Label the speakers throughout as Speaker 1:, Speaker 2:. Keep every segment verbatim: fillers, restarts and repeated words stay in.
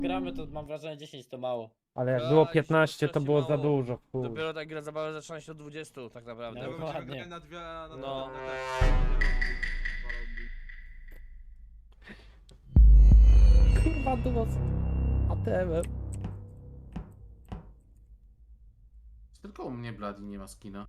Speaker 1: gramy, to mam wrażenie dziesięć to mało.
Speaker 2: Ale jak
Speaker 3: Tak,
Speaker 2: było
Speaker 3: się
Speaker 2: piętnaście, to
Speaker 3: strasznie
Speaker 2: było za
Speaker 3: mało.
Speaker 2: dużo. Chuj.
Speaker 3: Dopiero tak gra zabawa zaczyna się od dwudziestu tak naprawdę.
Speaker 1: No.
Speaker 4: Tego będziemy
Speaker 1: Dokładnie.
Speaker 4: grali na dwie, na, na,
Speaker 3: No.
Speaker 4: na, na te...
Speaker 2: Kurwa dużo. A tebe.
Speaker 5: Tylko u mnie Bloody nie ma skina.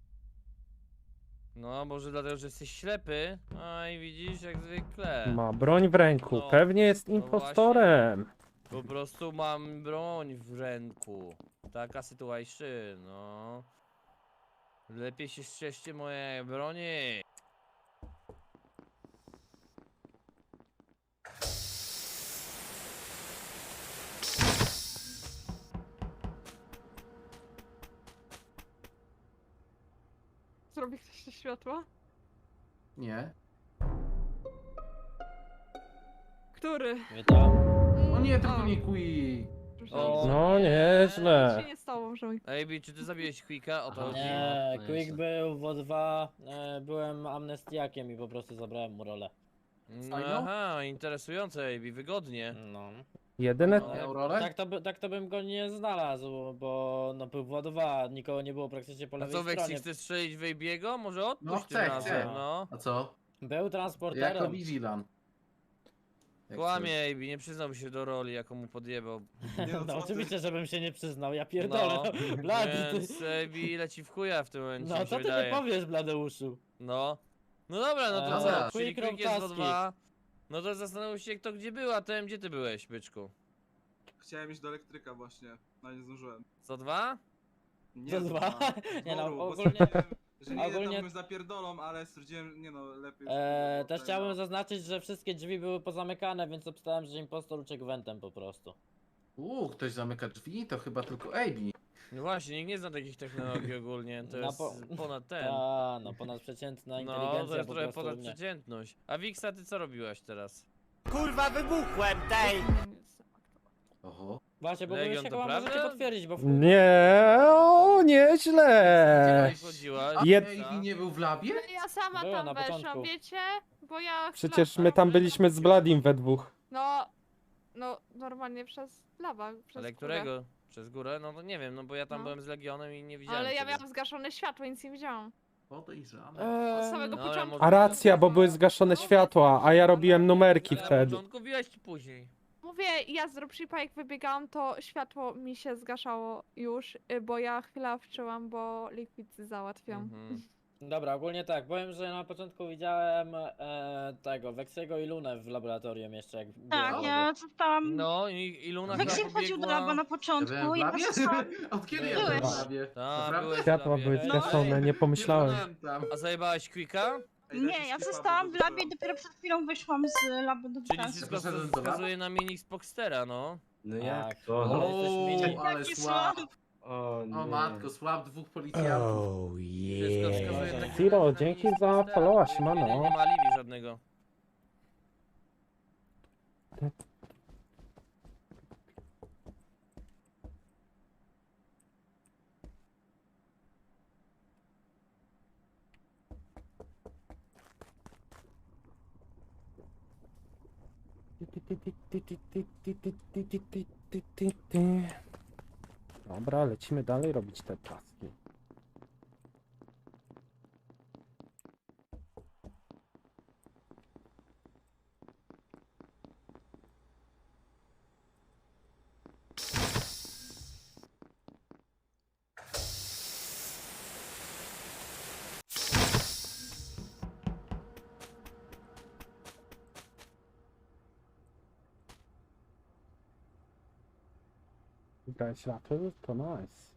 Speaker 3: No, może dlatego, że jesteś ślepy. A i widzisz, jak zwykle.
Speaker 2: Ma broń w ręku.
Speaker 3: No.
Speaker 2: Pewnie jest
Speaker 3: No
Speaker 2: impostorem.
Speaker 3: Po prostu mam broń w ręku. Taka sytuacja, no. Lepiej się strzeżcie mojej broni.
Speaker 6: Zrobi ktoś te światła?
Speaker 5: Nie.
Speaker 6: Który?
Speaker 1: Witam.
Speaker 5: O nie, tylko
Speaker 6: O,
Speaker 5: nie Quick.
Speaker 6: przepraszam.
Speaker 3: O.
Speaker 2: No
Speaker 6: Nic
Speaker 2: nieźle.
Speaker 6: się nie stało, możemy.
Speaker 3: Ej, czy ty zabiłeś Quicka? O to chodzi.
Speaker 1: Nie,
Speaker 5: no
Speaker 1: Quick
Speaker 5: nieźle.
Speaker 1: był w O dwa, e, byłem amnestiakiem i po prostu zabrałem mu rolę.
Speaker 3: No, aha, interesujące, Ej, wygodnie.
Speaker 1: No.
Speaker 2: Jedyne...
Speaker 3: No.
Speaker 5: Miał rolę?
Speaker 1: Tak to, by, tak to bym go nie znalazł, bo no był w O dwa, nikogo nie było praktycznie po
Speaker 3: A
Speaker 1: lewej
Speaker 3: co, Weksy,
Speaker 1: stronie.
Speaker 3: chcesz strzelić w Ejbiego? Może odpuść
Speaker 5: No,
Speaker 3: tym
Speaker 5: chcę,
Speaker 3: razem,
Speaker 5: chcę.
Speaker 3: no.
Speaker 5: A co?
Speaker 1: Był
Speaker 5: Jako
Speaker 1: transporterem.
Speaker 5: Vigilan. Jak
Speaker 3: Kłamie Ejbi, nie przyznał się do roli, jaką mu podjebał.
Speaker 4: Nie no,
Speaker 1: No
Speaker 4: co
Speaker 1: oczywiście,
Speaker 4: ty?
Speaker 1: żebym się nie przyznał, ja pierdolę.
Speaker 3: No,
Speaker 1: No, Blady,
Speaker 3: Więc
Speaker 1: ty.
Speaker 3: Ejbi leci w chuja w tym momencie,
Speaker 1: No
Speaker 3: mi się
Speaker 1: co ty
Speaker 3: wydaje.
Speaker 1: nie powiesz, Bladeuszu?
Speaker 3: No. No dobra, no to
Speaker 1: Eee,
Speaker 3: co? Czyli
Speaker 1: Quick
Speaker 3: Quick jest w O
Speaker 1: Taski.
Speaker 3: dwa. No to zastanów się kto gdzie był, a ten gdzie ty byłeś, byczku?
Speaker 4: Chciałem iść do elektryka właśnie, no nie zdążyłem.
Speaker 3: Co dwa?
Speaker 4: Nie
Speaker 1: Co
Speaker 4: z
Speaker 1: dwa?
Speaker 4: dwa,
Speaker 1: Nie
Speaker 4: z
Speaker 1: no,
Speaker 4: dworu, bo
Speaker 1: ogólnie-
Speaker 4: stwierdziłem, że nie
Speaker 1: ogólnie-
Speaker 4: ogólnie... tam zapierdolą, ale stwierdziłem, nie no, lepiej...
Speaker 1: Eee,
Speaker 4: żeby
Speaker 1: też
Speaker 4: było
Speaker 1: chciałbym
Speaker 4: tego.
Speaker 1: zaznaczyć, że wszystkie drzwi były pozamykane, więc obstałem, że impostor uciekł wentem po prostu.
Speaker 5: Uuu, ktoś zamyka drzwi? To chyba tylko A B.
Speaker 3: No właśnie, nikt nie zna takich technologii ogólnie, to
Speaker 1: Na
Speaker 3: jest
Speaker 1: po-
Speaker 3: ponad ten.
Speaker 1: A, no ponadprzeciętna
Speaker 3: No,
Speaker 1: inteligencja
Speaker 3: to jest
Speaker 1: po
Speaker 3: trochę
Speaker 1: prostu u
Speaker 3: ponad
Speaker 1: mnie.
Speaker 3: przeciętność. A Wiksa, ty co robiłaś teraz?
Speaker 7: Kurwa, wybuchłem tej!
Speaker 5: Oho.
Speaker 1: Właśnie, bo wy
Speaker 3: Legion,
Speaker 1: się
Speaker 3: to
Speaker 1: chyba możecie
Speaker 3: prawda?
Speaker 1: potwierdzić, bo w...
Speaker 2: Nie, o, nieźle.
Speaker 3: Gdzie chodziłaś?
Speaker 5: A
Speaker 2: Jed-
Speaker 3: Wiksa?
Speaker 5: A B nie był w labie?
Speaker 6: Ja sama
Speaker 1: Była na
Speaker 6: tam weszłam,
Speaker 1: początku.
Speaker 6: wiecie? Bo ja...
Speaker 2: Przecież
Speaker 6: chwilę-
Speaker 2: my tam byliśmy z Bladim we dwóch.
Speaker 6: No... No, normalnie przez lawa, przez
Speaker 3: Ale
Speaker 6: górę.
Speaker 3: którego? Przez górę? No to nie wiem, no bo ja tam
Speaker 6: No.
Speaker 3: byłem z Legionem i nie widziałem
Speaker 6: Ale ja
Speaker 3: ciebie.
Speaker 6: miałam zgaszone światło, nic nie widziałam.
Speaker 5: Podejrzane.
Speaker 6: Od
Speaker 1: Eee,
Speaker 6: samego
Speaker 3: no, ale
Speaker 6: początku.
Speaker 3: może-
Speaker 2: A racja, bo były zgaszone światła, a ja robiłem numerki
Speaker 3: Ale na
Speaker 2: wtedy.
Speaker 3: początku biłaś czy później?
Speaker 6: Mówię, ja z dropshipa jak wybiegałam, to światło mi się zgaszało już, y, bo ja chwilę wczyłam, bo liquid załatwiam.
Speaker 3: Mhm.
Speaker 1: Dobra, ogólnie tak, powiem, że na początku widziałem e, tego, Weksego i Lunę w laboratorium jeszcze, jak
Speaker 8: Tak,
Speaker 1: byłem
Speaker 8: ja zostałam.
Speaker 3: No i, i Luna
Speaker 8: Weksy
Speaker 3: chyba
Speaker 8: wchodził do
Speaker 3: pobiegła...
Speaker 8: laba na
Speaker 5: Ja byłem
Speaker 8: początku,
Speaker 5: w
Speaker 8: ja
Speaker 5: labie?
Speaker 8: zostałam.
Speaker 5: Od kiedy ja
Speaker 3: Byłeś.
Speaker 5: byłem w labie?
Speaker 3: Ta,
Speaker 5: Naprawdę?
Speaker 3: byłeś w
Speaker 2: Światła
Speaker 3: labie.
Speaker 2: były
Speaker 1: Ej,
Speaker 2: zgaszone, nie pomyślałem.
Speaker 5: pamiętam.
Speaker 3: A zajebałaś Quicka?
Speaker 4: Ej, dajcie
Speaker 8: Nie, ja
Speaker 4: skipa, bo
Speaker 8: zostałam w
Speaker 4: to
Speaker 8: labie i
Speaker 4: było.
Speaker 8: dopiero przed chwilą wyszłam z labu do
Speaker 3: Czyli
Speaker 8: pracy.
Speaker 3: wszystko
Speaker 5: Poszedłem do
Speaker 3: wskazuje na mini z Boxstera, no.
Speaker 7: No
Speaker 1: Tak.
Speaker 7: jak to?
Speaker 1: Ale jesteś mini.
Speaker 5: O, ale
Speaker 8: Jaki
Speaker 5: słab.
Speaker 8: słab.
Speaker 7: O nie.
Speaker 5: O matko, słab dwóch policjantów.
Speaker 3: Wszystko
Speaker 1: yeah.
Speaker 3: wskazuje tak
Speaker 2: Zero,
Speaker 3: na- na
Speaker 2: dzięki
Speaker 3: mini z
Speaker 2: za
Speaker 3: Boxstera,
Speaker 2: followa,
Speaker 3: bo
Speaker 2: siemano.
Speaker 3: Nie, nie ma alibi żadnego.
Speaker 2: Dobra, lecimy dalej robić te taski. Wybrać rapy, to nice.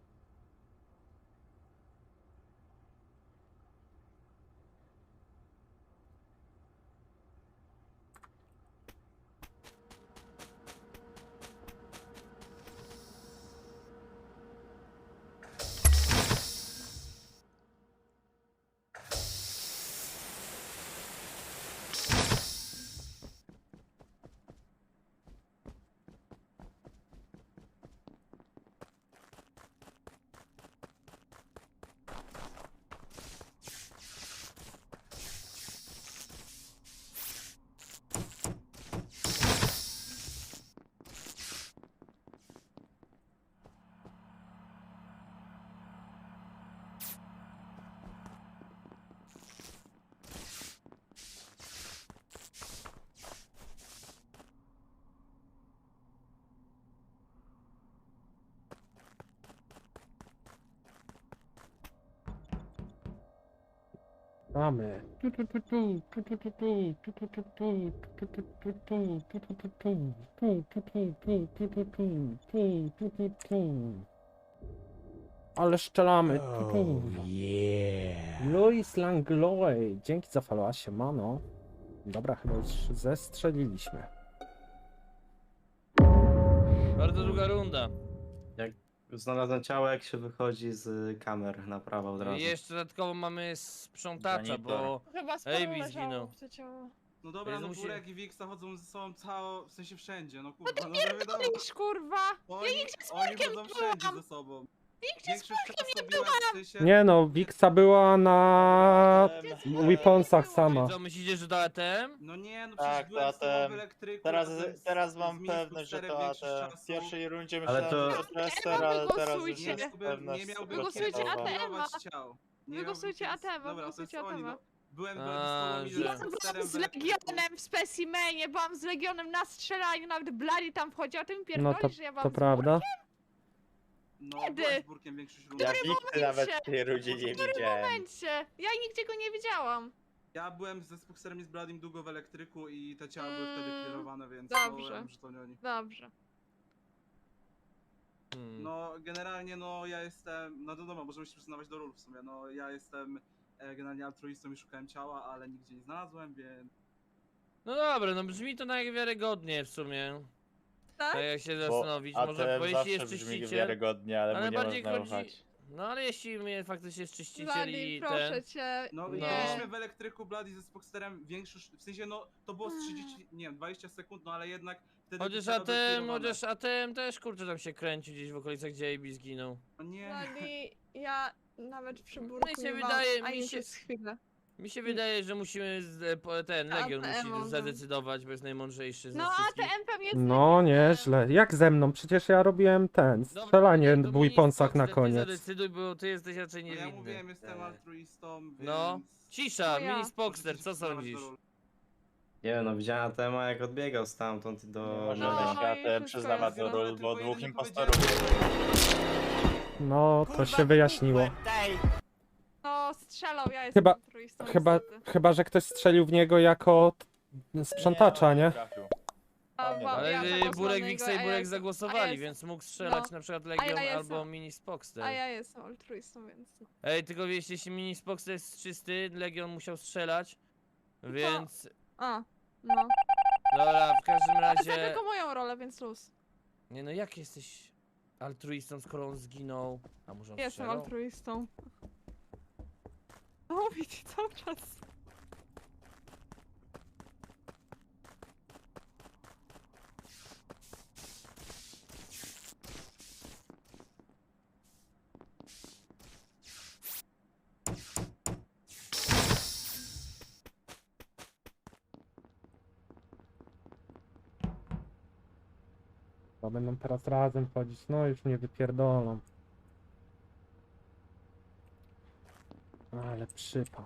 Speaker 2: Mamy. Ale szczelamy. Louis Langlois. Dzięki za followa, siemano. Dobra, chyba już zestrzeliliśmy.
Speaker 3: Bardzo długa runda.
Speaker 7: Znalazłem ciało, jak się wychodzi z kamer na prawo od
Speaker 3: I
Speaker 7: razu.
Speaker 3: jeszcze dodatkowo mamy sprzątacza, bo...
Speaker 6: Chyba sporo
Speaker 3: Ej, mi
Speaker 6: leżało
Speaker 3: zginął.
Speaker 6: w to ciało.
Speaker 4: No dobra,
Speaker 3: Jezu,
Speaker 4: no
Speaker 3: musi-
Speaker 4: Burek i Wiksa chodzą ze sobą cało, w sensie wszędzie, no kurwa, no, no wiadomo.
Speaker 6: Iż, kurwa!
Speaker 4: Oni,
Speaker 6: z
Speaker 4: oni
Speaker 6: Burkiem
Speaker 4: chodzą wszędzie
Speaker 6: byłam.
Speaker 4: ze sobą.
Speaker 6: Nigdzie z
Speaker 4: Większość czasu byłem w sensie...
Speaker 2: Nie no, Wixa była na Weaponsach sama.
Speaker 3: Co, myślicie, że to A T M?
Speaker 4: No nie, no
Speaker 9: Tak,
Speaker 4: przecież byłem
Speaker 9: to
Speaker 4: z tobą w
Speaker 9: ATM.
Speaker 4: elektryku.
Speaker 9: Teraz,
Speaker 4: potem z-
Speaker 9: teraz
Speaker 4: z
Speaker 9: mam
Speaker 4: Miss
Speaker 9: pewność, że
Speaker 4: Fusterem
Speaker 9: to
Speaker 4: większość
Speaker 9: A T M. W
Speaker 4: czasu.
Speaker 9: pierwszej rundzie
Speaker 7: Ale
Speaker 9: myślałem,
Speaker 7: to-
Speaker 9: że to Chester,
Speaker 6: A T M
Speaker 9: ale teraz już
Speaker 6: wygłosujcie.
Speaker 9: jest
Speaker 4: Jakby nie
Speaker 9: pewność
Speaker 4: miałbym
Speaker 6: Wygłosujcie
Speaker 9: stuprocentowa.
Speaker 6: A T M.
Speaker 4: pilnować ciał. Nie
Speaker 6: Wygłosujcie
Speaker 4: miałbym-
Speaker 6: A T M,
Speaker 4: Dobra, to
Speaker 6: wygłosujcie
Speaker 4: jest oni,
Speaker 6: A T M.
Speaker 4: no. Byłem
Speaker 3: A,
Speaker 4: z tobą i
Speaker 3: że-
Speaker 6: Ja
Speaker 4: z
Speaker 6: byłam
Speaker 4: Fusterem w
Speaker 6: z
Speaker 4: elektryku.
Speaker 6: Legionem w specimenie, byłam z Legionem na strzelaniu, nawet Bloody tam wchodził, a ty mi
Speaker 2: No
Speaker 6: pierdolisz,
Speaker 2: to,
Speaker 6: że ja byłam
Speaker 2: to
Speaker 6: z
Speaker 2: prawda.
Speaker 4: No,
Speaker 6: Kiedy?
Speaker 4: byłem z Burkiem większość rundy.
Speaker 9: Ja Wikty nawet w tej rundzie nie
Speaker 6: W
Speaker 9: widziałem.
Speaker 6: momencie. Ja nigdzie go nie widziałam.
Speaker 4: Ja byłem ze Fusterem i z Bladim długo w elektryku i te ciała były wtedy
Speaker 6: Mm,
Speaker 4: clearowane, więc
Speaker 6: dobrze.
Speaker 4: no, wiem, że to nie oni.
Speaker 6: Dobrze.
Speaker 3: Hmm.
Speaker 4: No, generalnie no ja jestem, no wiadomo, możemy się przyznawać do ról w sumie, no ja jestem e, generalnie altruistą i szukałem ciała, ale nigdzie nie znalazłem, więc...
Speaker 3: No dobra, no brzmi to najwiarygodnie w sumie.
Speaker 6: Tak?
Speaker 3: Tak jak się
Speaker 9: Bo
Speaker 3: zastanowić, może
Speaker 9: A T M
Speaker 3: bo
Speaker 9: zawsze
Speaker 3: jeśli jest
Speaker 9: brzmi
Speaker 3: czyściciel...
Speaker 9: wiarygodnie, ale,
Speaker 3: ale
Speaker 9: mu nie
Speaker 3: bardziej
Speaker 9: można
Speaker 3: chodzi-
Speaker 9: ufać.
Speaker 3: No ale jeśli mnie faktycznie jest czyściciel
Speaker 6: Bloody,
Speaker 3: i
Speaker 6: proszę
Speaker 3: ten...
Speaker 6: cię.
Speaker 4: No,
Speaker 3: No.
Speaker 4: byliśmy w elektryku Bloody ze Spooksterem większość, w sensie no to było z trzydzieści, nie wiem, dwadzieścia sekund, no ale jednak wtedy...
Speaker 3: Chociaż
Speaker 4: te ciała były
Speaker 3: A T M,
Speaker 4: clearowane.
Speaker 3: chociaż A T M też kurczę tam się kręci gdzieś w okolicach, gdzie A B zginął.
Speaker 4: No nie,
Speaker 6: Bloody, ja nawet przy burku
Speaker 3: Mi się
Speaker 6: nie
Speaker 3: wydaje-
Speaker 6: mam,
Speaker 3: mi
Speaker 6: ani
Speaker 3: się-
Speaker 6: przez chwilę.
Speaker 3: Mi się wydaje, że musimy z, po- ten Legion
Speaker 6: A T M
Speaker 3: musi
Speaker 6: może.
Speaker 3: zadecydować, bo jest najmądrzejszy z
Speaker 6: No
Speaker 3: nas
Speaker 6: A T
Speaker 3: wszystkich.
Speaker 6: M pewnie jest
Speaker 2: No
Speaker 6: Legionem.
Speaker 2: nieźle. Jak ze mną? Przecież ja robiłem ten,
Speaker 3: Dobra,
Speaker 2: strzelanie
Speaker 3: to
Speaker 2: w Weaponsach na
Speaker 3: Xbox,
Speaker 2: koniec.
Speaker 3: Ty zadecyduj, bo ty jesteś raczej
Speaker 4: no ja
Speaker 3: niewinny.
Speaker 4: mówiłem, jestem altruistą, więc...
Speaker 3: No. Cisza,
Speaker 6: No ja.
Speaker 3: mini Spoxter,
Speaker 4: możecie
Speaker 3: co
Speaker 4: się przyznawać
Speaker 3: sądzisz?
Speaker 4: do ról.
Speaker 7: Nie wiem, no widziałem Atema, jak odbiegał stamtąd
Speaker 9: Nie
Speaker 7: do...
Speaker 9: możemy
Speaker 6: No,
Speaker 9: się
Speaker 6: i
Speaker 9: A T M
Speaker 6: wszystko
Speaker 9: przyznawać
Speaker 6: jest
Speaker 9: do ról,
Speaker 4: tylko
Speaker 9: bo
Speaker 4: jeden
Speaker 9: dwóch
Speaker 4: nie
Speaker 9: impostorów.
Speaker 2: No, to
Speaker 7: Kurwa,
Speaker 2: się wyjaśniło.
Speaker 7: wybuchłem, tej!
Speaker 6: No strzelał, ja jestem
Speaker 2: Chyba-
Speaker 6: altruistą
Speaker 2: Chyba,
Speaker 6: niestety.
Speaker 2: chyba, że ktoś strzelił w niego jako t- sprzątacza, nie?
Speaker 9: trafił.
Speaker 6: A,
Speaker 9: Nie,
Speaker 6: wa-
Speaker 3: Ale
Speaker 6: ja
Speaker 3: y,
Speaker 6: zagłosowałam
Speaker 3: Burek,
Speaker 6: na
Speaker 3: Wiksa
Speaker 6: niego,
Speaker 3: i
Speaker 6: a
Speaker 3: Burek
Speaker 6: ja- a
Speaker 3: zagłosowali,
Speaker 6: ja
Speaker 3: więc mógł strzelać
Speaker 6: no.
Speaker 3: na przykład
Speaker 6: ja
Speaker 3: Legion
Speaker 6: jestem-
Speaker 3: albo mini Spoxter.
Speaker 6: A ja jestem altruistą, więc...
Speaker 3: Ej, tylko wiesz, jeśli mini Spoxter jest czysty, Legion musiał strzelać, więc...
Speaker 6: A, no.
Speaker 3: Dobra, w każdym
Speaker 6: Ale za
Speaker 3: razie...
Speaker 6: tylko moją rolę, więc luz.
Speaker 3: Nie no, jak jesteś altruistą, skoro on zginął? A może on
Speaker 6: Jestem
Speaker 3: strzelał?
Speaker 6: altruistą. No mówi ci cały czas.
Speaker 2: Bo będą teraz razem chodzić, no już mnie wypierdolą. Ale przypał.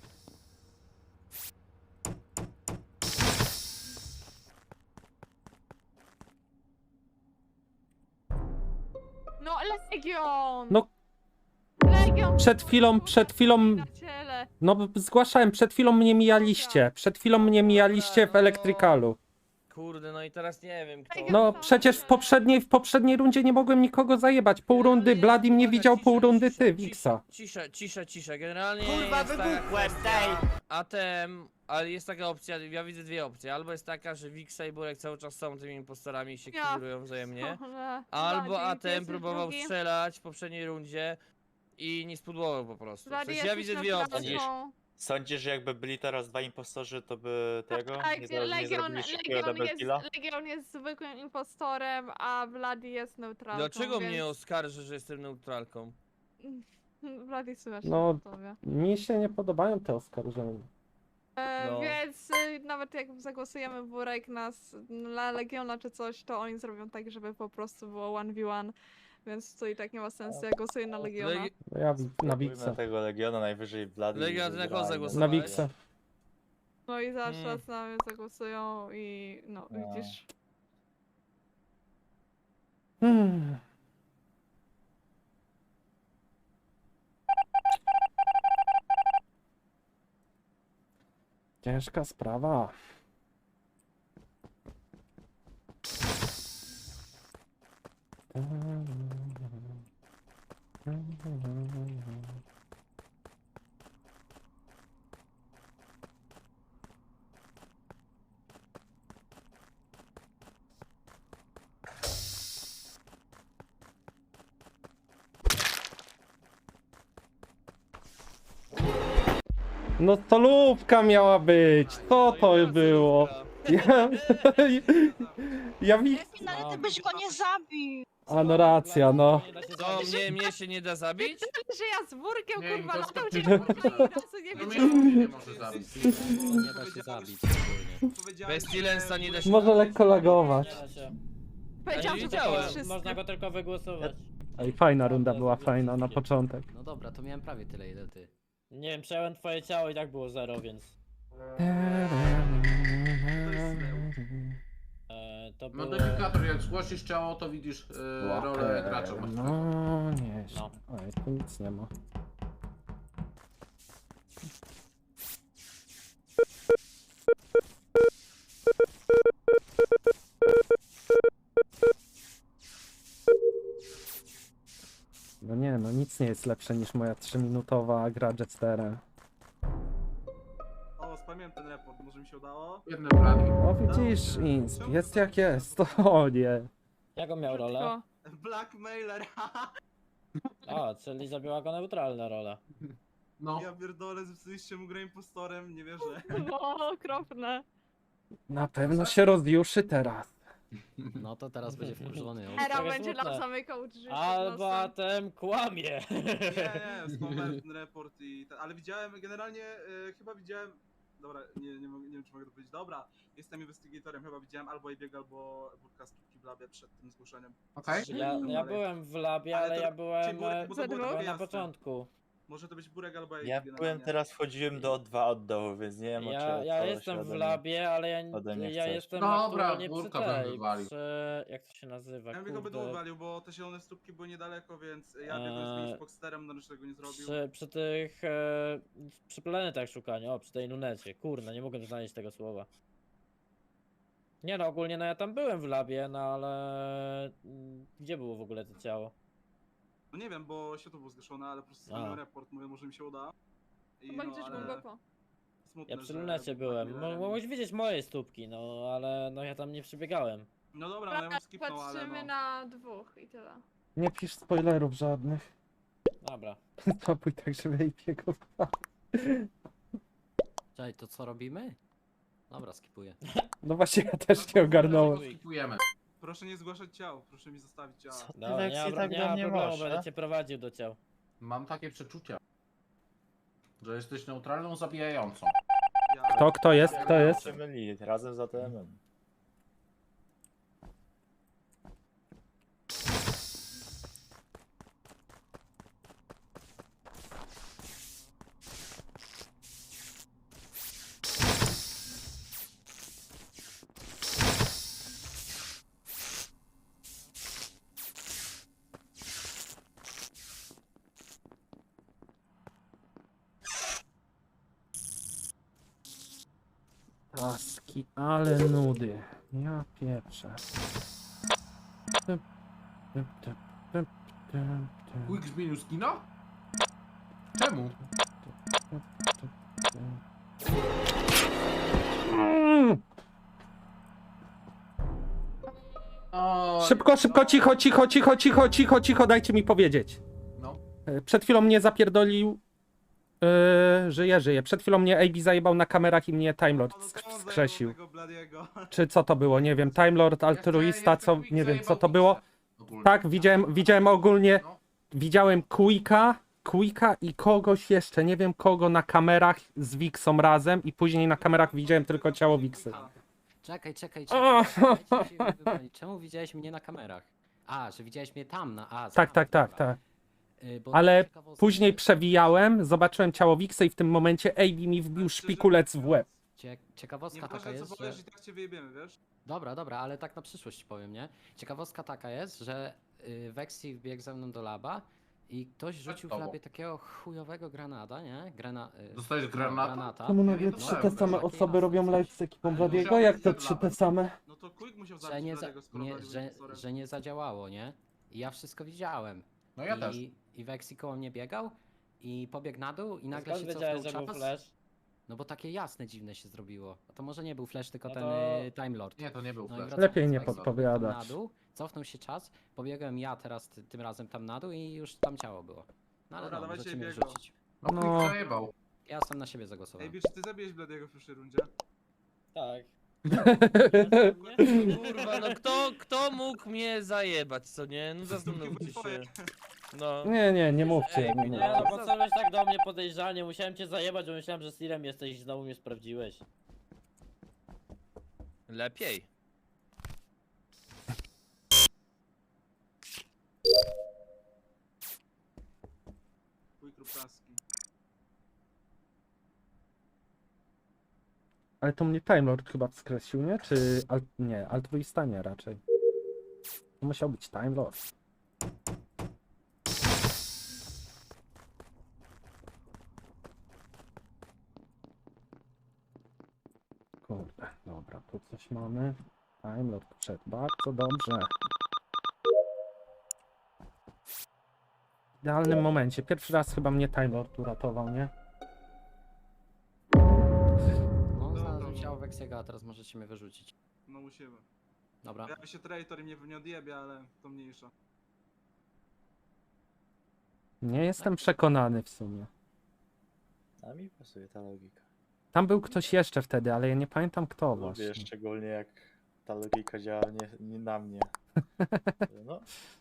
Speaker 6: No Legion!
Speaker 2: No.
Speaker 6: Legion!
Speaker 2: Przed chwilą, przed chwilą,
Speaker 6: Na ciele.
Speaker 2: no b- zgłaszałem, przed chwilą mnie mijaliście. Przed chwilą mnie mijaliście w elektrykalu.
Speaker 3: Kurde, no i teraz nie wiem kto...
Speaker 2: No przecież w poprzedniej, w poprzedniej rundzie nie mogłem nikogo zajebać. Pół rundy Bladim nie widział, pół rundy ty, Wiksa.
Speaker 3: Cisza, cisza, cisza. Generalnie
Speaker 7: Kurwa,
Speaker 3: jest taka
Speaker 7: wybuchłem,
Speaker 3: kwestia A T M, ale jest taka opcja, ja widzę dwie opcje. Albo jest taka, że Wiksa i Burek cały czas są tymi impostorami i się
Speaker 6: Ja
Speaker 3: kierują wzajemnie.
Speaker 6: Ale-
Speaker 3: Albo
Speaker 6: Bloody,
Speaker 3: A
Speaker 6: ty
Speaker 3: T M
Speaker 6: jesteś
Speaker 3: próbował
Speaker 6: drugi.
Speaker 3: strzelać w poprzedniej rundzie i nie spudłował po prostu. W
Speaker 6: Bloody,
Speaker 3: sensie ja
Speaker 6: jesteś
Speaker 3: widzę dwie opcje.
Speaker 6: neutralką.
Speaker 9: Sądzisz, że jakby byli teraz dwa impostorzy, to by tego
Speaker 6: Tak,
Speaker 9: nie, zro- nie
Speaker 6: Legion,
Speaker 9: zrobili szybkiego
Speaker 6: Legion,
Speaker 9: double
Speaker 6: jest,
Speaker 9: killa?
Speaker 6: Legion jest zwykłym impostorem, a Bloody jest neutralką.
Speaker 3: Dlaczego
Speaker 6: więc...
Speaker 3: mnie oskarży, że jestem neutralką?
Speaker 6: Bloody słyszę
Speaker 2: No.
Speaker 6: no. tobie.
Speaker 2: Mi się nie podobają te oskarżenia.
Speaker 6: E,
Speaker 3: No.
Speaker 6: Więc y, nawet jak zagłosujemy Burek na, s- na Legiona czy coś, to oni zrobią tak, żeby po prostu było jeden v jeden. Więc to i tak nie ma sensu, ja głosuję na Legiona.
Speaker 3: Legi-
Speaker 2: No ja wi- na
Speaker 9: Spróbujmy
Speaker 2: Wiksa.
Speaker 9: tego Legiona najwyżej Bloody.
Speaker 3: Legion, ty na kogo
Speaker 9: wygramy.
Speaker 3: zagłosowałeś?
Speaker 2: Na Wiksa.
Speaker 6: No i zaraz
Speaker 3: Mm.
Speaker 6: czas na mnie zagłosują i no,
Speaker 9: No.
Speaker 6: widzisz.
Speaker 2: Hmm. Ciężka sprawa. No stolówka miała być. Co to było? Ja, ja wi...
Speaker 8: Efin, ale ty byś go nie zabił.
Speaker 2: A no racja, no.
Speaker 1: Nie da się
Speaker 3: To
Speaker 1: zabić.
Speaker 3: mnie, mnie się nie da zabić?
Speaker 6: Że ja z wórkiem
Speaker 5: Nie,
Speaker 6: kurwa
Speaker 5: to
Speaker 6: latał
Speaker 5: jest
Speaker 6: cię
Speaker 5: to-
Speaker 6: ani razu nie
Speaker 5: No
Speaker 6: widziałam.
Speaker 5: mnie nie może zabić.
Speaker 1: Nie da się zabić ogólnie.
Speaker 4: Powiedziałem,
Speaker 3: Bez Tilensa nie da się
Speaker 2: Może lekko lagować.
Speaker 1: Nie da się.
Speaker 6: Powiedziałam,
Speaker 3: Ja
Speaker 6: że
Speaker 3: nie
Speaker 6: to są
Speaker 3: wiedziałem.
Speaker 6: wszyscy.
Speaker 1: Można go tylko wygłosować.
Speaker 2: Ej, fajna runda była, fajna na początek.
Speaker 10: No dobra, to miałem prawie tyle ile ty.
Speaker 1: Nie wiem, przejąłem twoje ciało i tak było zero, więc... E, to było...
Speaker 5: Modyfikator, jak zgłosisz ciało, to widzisz yy, rolę gracza.
Speaker 2: No, nie.
Speaker 1: No.
Speaker 2: Oj, tu nic nie ma. No nie, no nic nie jest lepsze niż moja trzyminutowa gra Jetsterem.
Speaker 4: O, spamiłem ten report, może mi się udało?
Speaker 5: Jedny blady.
Speaker 2: O widzisz, Insp, jest jak jest. O nie.
Speaker 1: Jaką miał rolę?
Speaker 6: Krótko.
Speaker 4: Blackmailer,
Speaker 1: A, czyli zabiła go neutralna rola.
Speaker 5: No.
Speaker 4: ja pierdolę, zepsuliście mu grę impostorem, nie wierzę.
Speaker 6: O, okropne.
Speaker 2: Na pewno się rozjuszy teraz.
Speaker 10: No to teraz będzie wkurzony. o.
Speaker 6: Era
Speaker 1: trochę
Speaker 6: będzie
Speaker 1: smutne.
Speaker 6: nam zamykał drzwi. przed
Speaker 1: Albo
Speaker 6: nosem.
Speaker 1: ten kłamie.
Speaker 4: Nie, nie, spamowałem ten report i ten, ale widziałem generalnie, y, chyba widziałem, dobra, nie, nie, mogę, nie wiem czy mogę to powiedzieć, dobra, jestem investigatorem, chyba widziałem albo Ebieg, albo Burka z Kiki w labie przed tym zgłoszeniem.
Speaker 5: Okej.
Speaker 1: Ja, ja byłem w labie,
Speaker 4: Ale
Speaker 1: ale
Speaker 4: to-
Speaker 1: ja byłem
Speaker 4: czyli Burek,
Speaker 1: e,
Speaker 4: bo to było
Speaker 6: Za
Speaker 4: takie
Speaker 1: byłem na
Speaker 4: jasne.
Speaker 1: początku.
Speaker 4: Może to być Burek albo Ebieg
Speaker 9: Ja
Speaker 4: generalnie.
Speaker 9: byłem teraz, wchodziłem do O dwa od dołu, więc nie wiem o
Speaker 1: Ja,
Speaker 9: czym
Speaker 1: ja
Speaker 9: co
Speaker 1: jestem
Speaker 9: się
Speaker 1: w
Speaker 9: ode mnie-
Speaker 1: labie, ale ja,
Speaker 9: ode mnie
Speaker 1: ja
Speaker 9: chcesz.
Speaker 1: jestem
Speaker 5: Dobra,
Speaker 1: aktualnie przy
Speaker 5: Burka bym
Speaker 1: tej,
Speaker 5: wywalił.
Speaker 1: przy... jak to się nazywa,
Speaker 4: Ja bym go
Speaker 1: kurde,
Speaker 4: będę wywalił, bo te zielone stópki były niedaleko, więc ja biegłem z
Speaker 1: Eee,
Speaker 4: nimi z Boxsterem, no już tego nie zrobił.
Speaker 1: przy, przy tych, e, przy planetach szukaniu, o, przy tej lunecie, kurde, nie mogę znaleźć tego słowa. Nie no, ogólnie no ja tam byłem w labie, no ale... mm, Gdzie było w ogóle to ciało?
Speaker 4: No nie wiem, bo światło było zgaszone, ale po prostu
Speaker 1: A.
Speaker 4: spamiłem report, mówię, może mi się uda. I
Speaker 6: Chyba
Speaker 4: no,
Speaker 6: gdzieś
Speaker 4: ale
Speaker 6: głęboko.
Speaker 4: smutne,
Speaker 1: Ja przy
Speaker 4: że
Speaker 1: lunecie
Speaker 4: był
Speaker 1: byłem, Mo-
Speaker 4: Blackmailerem.
Speaker 1: mogłeś widzieć moje stópki, no ale no ja tam nie przebiegałem.
Speaker 4: No dobra, no ja bym skipnął, ale
Speaker 6: Patrzymy
Speaker 4: no.
Speaker 6: na dwóch i tyle.
Speaker 2: Nie pisz spoilerów żadnych.
Speaker 1: Dobra.
Speaker 2: Spokój tak, żeby jej biegł.
Speaker 10: Czekaj, to co robimy? Dobra, skipuję.
Speaker 2: No właśnie, ja też nie ogarnąłem.
Speaker 5: Skipujemy.
Speaker 4: Proszę nie zgłaszać ciał, proszę mi zostawić ciała.
Speaker 9: Co ty,
Speaker 1: Dobra, nie
Speaker 9: Lexi,
Speaker 1: ma,
Speaker 9: tak
Speaker 1: nie
Speaker 9: do
Speaker 1: ma
Speaker 9: mnie
Speaker 1: problemu,
Speaker 9: masz,
Speaker 1: będę
Speaker 9: a?
Speaker 1: cię prowadził do ciał.
Speaker 5: Mam takie przeczucia, że jesteś neutralną zabijającą.
Speaker 4: Ja...
Speaker 2: Kto, kto jest, kto jest?
Speaker 9: Się myli, razem z A T M-em.
Speaker 2: Taski, ale nudy. Ja pieprzę. Typ, typ, typ, typ, typ, typ,
Speaker 5: Quick zmienił skina? Czemu?
Speaker 2: Mm.
Speaker 5: O,
Speaker 2: Szybko, szybko, cicho, cicho, cicho, cicho, cicho, cicho, dajcie mi powiedzieć.
Speaker 5: No.
Speaker 2: E, Przed chwilą mnie zapierdolił. Yy, żyje, żyje. Przed chwilą mnie A B zajebał na kamerach i mnie Time Lord
Speaker 4: No to
Speaker 2: sk-
Speaker 4: on zajebał
Speaker 2: skrzesił.
Speaker 4: tego Bladiego.
Speaker 2: Czy co to było? Nie wiem. Time Lord, altruista,
Speaker 5: Jeszcze-
Speaker 2: co.
Speaker 5: jeszcze Quick
Speaker 2: Nie wiem, co
Speaker 5: zajebał
Speaker 2: to było.
Speaker 5: Quicksa ogólnie.
Speaker 2: Tak, widziałem, widziałem ogólnie.
Speaker 5: No.
Speaker 2: Widziałem Quicka, Quicka i kogoś jeszcze, nie wiem kogo, na kamerach z Wixą razem i później na kamerach widziałem tylko ciało Wixy.
Speaker 10: Czekaj, czekaj,
Speaker 2: O!
Speaker 10: czekaj. Dajcie mi się wybronić. Czemu widziałeś mnie na kamerach? A, że widziałeś mnie tam na A.
Speaker 2: Tak, tak, tak,
Speaker 10: dobra.
Speaker 2: tak.
Speaker 10: Y, bo
Speaker 2: Ale
Speaker 10: ciekawostka-
Speaker 2: Później przewijałem, zobaczyłem ciało Wixy i w tym momencie A B mi wbił szpikulec w łeb.
Speaker 10: Cie ciekawostka taka
Speaker 4: Nieważne
Speaker 10: jest,
Speaker 4: co
Speaker 10: że...
Speaker 4: powiesz, i tak cię wyjebiemy, wiesz?
Speaker 10: Dobra, dobra, ale tak na przyszłość powiem, nie? Ciekawostka taka jest, że y, Vexi wbiegł ze mną do laba I ktoś rzucił w
Speaker 5: tobą.
Speaker 10: labie takiego chujowego granata, nie? Grana, y,
Speaker 5: Dostałeś
Speaker 10: no,
Speaker 5: granata?
Speaker 10: granata.
Speaker 2: Czemu
Speaker 5: Ja
Speaker 2: nagle
Speaker 5: nie
Speaker 2: trzy
Speaker 5: dostałem
Speaker 2: te
Speaker 5: też.
Speaker 2: same
Speaker 10: Takie
Speaker 2: osoby robią
Speaker 10: jasne
Speaker 2: live
Speaker 10: coś.
Speaker 2: z ekipą
Speaker 4: Ale
Speaker 2: Bladiego?
Speaker 4: musiał
Speaker 2: Jak
Speaker 4: być
Speaker 2: to
Speaker 4: przed
Speaker 2: trzy te
Speaker 4: labem.
Speaker 2: same?
Speaker 4: No to Quick musiał
Speaker 10: Że
Speaker 4: zabić
Speaker 10: nie, za,
Speaker 4: Bladiego, skoro
Speaker 10: nie,
Speaker 4: Blady był
Speaker 10: że,
Speaker 4: impostorem.
Speaker 10: że nie zadziałało, nie? I ja wszystko widziałem.
Speaker 5: No ja
Speaker 10: I,
Speaker 5: też.
Speaker 10: I Weksy koło mnie biegał i pobiegł na dół i
Speaker 1: A
Speaker 10: nagle
Speaker 1: skąd
Speaker 10: się
Speaker 1: wiedziałeś,
Speaker 10: cofnął
Speaker 1: że był
Speaker 10: czas.
Speaker 1: flash?
Speaker 10: No bo takie jasne, dziwne się zrobiło. A to może nie był flash, tylko
Speaker 1: No
Speaker 10: ten
Speaker 1: to-
Speaker 10: y, Time Lord.
Speaker 5: Nie, to nie był
Speaker 10: No i
Speaker 5: flash.
Speaker 10: wracam-
Speaker 2: Lepiej nie
Speaker 10: Weksy pobiegł
Speaker 2: podpowiadać.
Speaker 10: na dół, cofnął się czas, pobiegłem ja teraz ty, tym razem tam na dół i już tam ciało było. No ale
Speaker 4: Dobra,
Speaker 10: no,
Speaker 4: dawajcie
Speaker 10: możecie mnie
Speaker 4: biego.
Speaker 10: wrzucić.
Speaker 5: No Quick
Speaker 2: No.
Speaker 5: zajebał.
Speaker 10: Ja sam na siebie zagłosowałem.
Speaker 4: Ej, czy ty zabiłeś Bladiego w pierwszej rundzie?
Speaker 1: Tak.
Speaker 3: Kurwa, no kto, kto mógł mnie zajebać, co nie? No zastanówcie się. No.
Speaker 2: Nie, nie, nie mówcie, nie
Speaker 1: Nie no,
Speaker 2: mówcie.
Speaker 1: po co byś tak do mnie podejrzanie? Musiałem cię zajebać, bo myślałem, że Sirem jesteś i znowu mnie sprawdziłeś.
Speaker 3: Lepiej.
Speaker 4: Quick lub taski.
Speaker 2: Ale to mnie Time Lord chyba skreślił, nie? Czy... Al... Nie, altruista nie raczej. To musiał być Time Lord. Kurde, dobra, tu coś mamy. Time Lord przed, bardzo dobrze. W idealnym momencie. Pierwszy raz chyba mnie Time Lord uratował, nie?
Speaker 10: No,
Speaker 4: Dobra.
Speaker 10: znalazłem ciało Weksiego, a teraz możecie mnie wyrzucić.
Speaker 4: No musimy.
Speaker 10: Dobra.
Speaker 4: Ja się traitor i mnie nie odjebie, ale to mniejsza.
Speaker 2: Nie jestem przekonany w sumie.
Speaker 9: A mi pasuje ta logika.
Speaker 2: Tam był ktoś jeszcze wtedy, ale ja nie pamiętam kto
Speaker 9: Lubię
Speaker 2: właśnie.
Speaker 9: szczególnie jak ta logika działa nie, nie na mnie. No,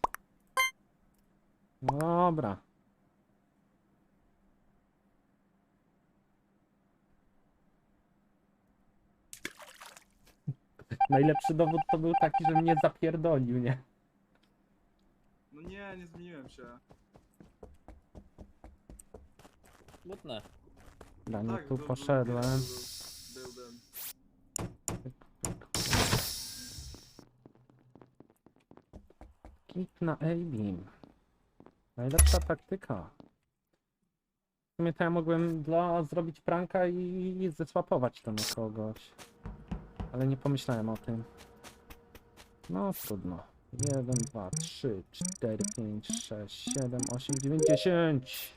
Speaker 2: Dobra. Najlepszy dowód to był taki, że mnie zapierdolił, nie?
Speaker 4: No nie, nie zmieniłem się.
Speaker 1: Smutne.
Speaker 2: Dla mnie
Speaker 4: Tak,
Speaker 2: tu
Speaker 4: był- był-
Speaker 2: poszedłem.
Speaker 4: Był, był, był.
Speaker 2: Kit na A-beam. Najlepsza taktyka. W sumie to ja mogłem dla zrobić pranka i zesłapować to na kogoś. Ale nie pomyślałem o tym. No trudno. jeden, dwa, trzy, cztery, pięć, sześć, siedem, osiem, dziewięć, dziesięć.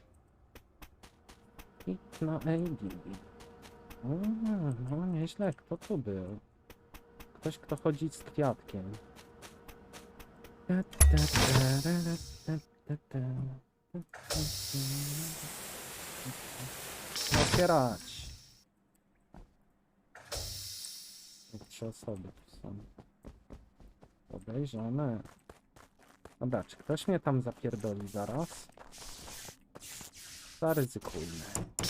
Speaker 2: Kit na A-beam. Mm, no nieźle. Kto tu był? Ktoś, kto chodzi z kwiatkiem. Otwierać. Trzy osoby tu są. Podejrzane. Dobra, czy ktoś mnie tam zapierdoli zaraz? Zaryzykujmy.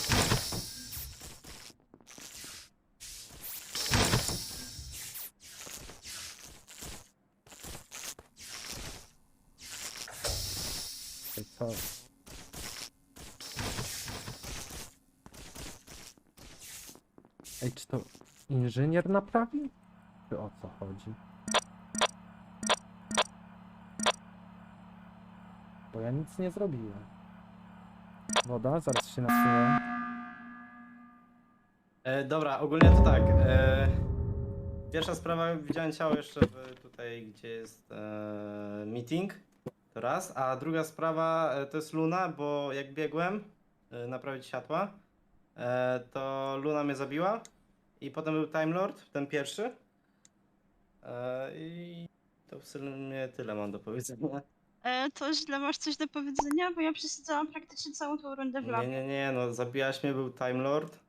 Speaker 2: Ej, co? Ej, czy to inżynier naprawi? Czy o co chodzi? Bo ja nic nie zrobiłem. Woda, zaraz się napsuję.
Speaker 7: E, dobra, ogólnie to tak. E, pierwsza sprawa, widziałem ciało jeszcze w, tutaj, gdzie jest e, meeting. To raz. A druga sprawa e, to jest Luna, bo jak biegłem e, naprawić światła, e, to Luna mnie zabiła. I potem był Time Lord, ten pierwszy. E, I to w sumie tyle mam do powiedzenia.
Speaker 8: E, to źle masz coś do powiedzenia, bo ja przesadzałam praktycznie całą tą rundę w
Speaker 7: Nie,
Speaker 8: labie.
Speaker 7: nie, nie, no zabiłaś mnie, był Time Lord.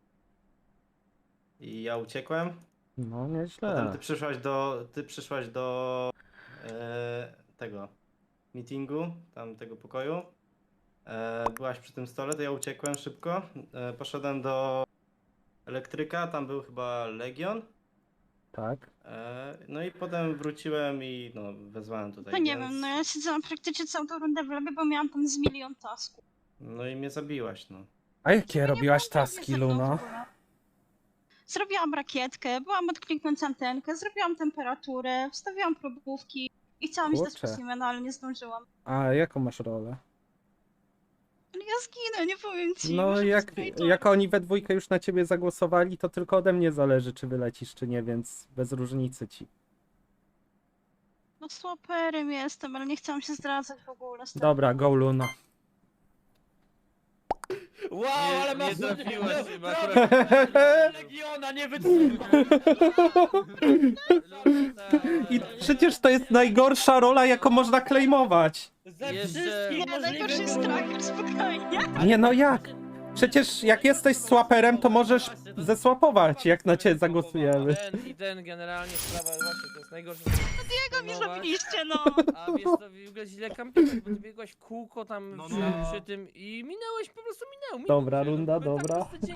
Speaker 7: I ja uciekłem.
Speaker 2: No,
Speaker 7: Potem
Speaker 2: nieźle.
Speaker 7: ty przyszłaś do, ty przyszłaś do e, tego meetingu, tam tego pokoju. E, byłaś przy tym stole, to ja uciekłem szybko. E, poszedłem do elektryka, tam był chyba Legion.
Speaker 2: Tak.
Speaker 7: E, no i potem wróciłem i no wezwałem tutaj.
Speaker 8: No nie
Speaker 7: więc...
Speaker 8: wiem, no ja siedziałam praktycznie całą tą rundę w labie, bo miałam tam z milion tasków.
Speaker 7: No i mnie zabiłaś, no.
Speaker 2: A jakie
Speaker 8: Nie
Speaker 2: robiłaś
Speaker 8: było
Speaker 2: taski,
Speaker 8: ze mną w
Speaker 2: Luna?
Speaker 8: ogóle. Zrobiłam rakietkę, byłam odkliknąć antenkę, zrobiłam temperaturę, wstawiłam probówki i chciałam iść do
Speaker 2: Kurczę.
Speaker 8: specimena, ale nie zdążyłam.
Speaker 2: A jaką masz rolę?
Speaker 8: Ale ja zginę, nie powiem ci.
Speaker 2: No
Speaker 8: może
Speaker 2: jak,
Speaker 8: to-
Speaker 2: jak oni we dwójkę już na ciebie zagłosowali, to tylko ode mnie zależy, czy wylecisz, czy nie, więc bez różnicy ci.
Speaker 8: No słaperem jestem, ale nie chciałam się zdradzać w ogóle. z tym.
Speaker 2: Dobra, go Luna.
Speaker 1: Wow,
Speaker 3: Nie-
Speaker 1: ale
Speaker 3: nie
Speaker 1: masz...
Speaker 3: trafiłaś
Speaker 1: no,
Speaker 3: chyba,
Speaker 1: proszę,
Speaker 3: akurat-
Speaker 1: Legiona, nie wytrzymam!
Speaker 2: I przecież to jest najgorsza rola, jaką można claimować.
Speaker 1: Ze
Speaker 3: Jeszcze-
Speaker 1: wszystkich
Speaker 8: Nie, najgorszy jest
Speaker 1: możliwych...
Speaker 8: tracker, spokojnie.
Speaker 2: Nie no jak? Przecież jak jesteś swaperem, to możesz zesłapować, jak na ciebie zagłosujemy.
Speaker 3: Ten i ten generalnie sprawa, właśnie to jest najgorsze.
Speaker 8: Czego mi zrobiliście, no?
Speaker 3: A wiesz to w ogóle źle kampiłeś, bo ty biegłaś w kółko tam
Speaker 4: No,
Speaker 3: przy,
Speaker 4: no.
Speaker 3: przy tym i minąłeś, po prostu minął. minął
Speaker 2: Dobra
Speaker 3: cię, no,
Speaker 2: runda,
Speaker 3: tak po
Speaker 2: dobra.
Speaker 3: prostu dzień-